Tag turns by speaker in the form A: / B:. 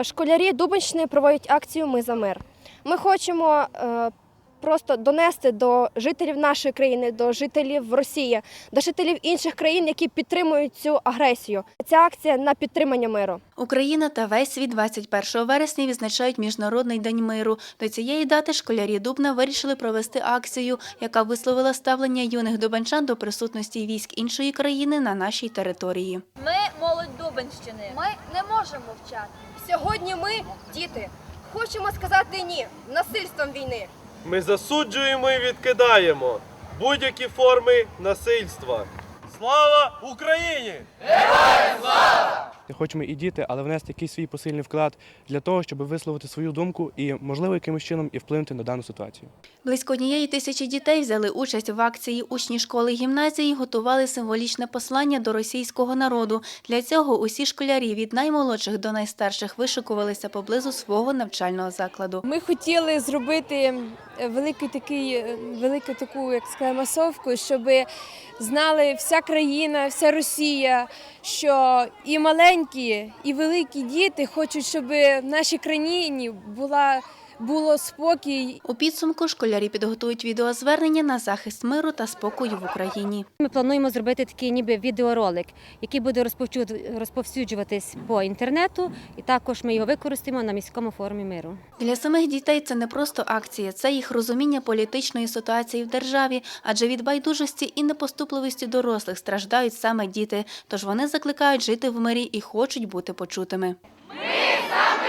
A: Школярі Дубенщини проводять акцію «Ми за мир». Ми хочемо просто донести до жителів нашої країни, до жителів Росії, до жителів інших країн, які підтримують цю агресію. Ця акція на підтримання миру.
B: Україна та весь світ 21 вересня відзначають Міжнародний день миру. До цієї дати школярі Дубна вирішили провести акцію, яка висловила ставлення юних дубенчан до присутності військ іншої країни на нашій території.
C: Ми молодь Дубенщини. Ми не можемо мовчати.
A: Сьогодні ми, діти, хочемо сказати «ні» насильством війни.
D: Ми засуджуємо і відкидаємо будь-які форми насильства. Слава Україні!
E: Хочемо і діти, але внести якийсь свій посильний вклад для того, щоб висловити свою думку і, можливо, якимось чином і вплинути на дану ситуацію.
B: Близько 1,000 дітей взяли участь в акції. Учні школи і гімназії готували символічне послання до російського народу. Для цього усі школярі від наймолодших до найстарших вишикувалися поблизу свого навчального закладу.
F: Ми хотіли зробити велику таку, як сказати, масовку, щоб знали вся країна, вся Росія, що і маленькі, і великі діти хочуть, щоб в нашій країні було спокій.
B: У підсумку школярі підготують відеозвернення на захист миру та спокою в Україні.
G: Ми плануємо зробити такий ніби відеоролик, який буде розповсюджуватись по інтернету, і також ми його використаємо на міському форумі миру.
B: Для самих дітей це не просто акція, це їх розуміння політичної ситуації в державі, адже від байдужості і непоступливості дорослих страждають саме діти, тож вони закликають жити в мирі і хочуть бути почутими.
C: Ми за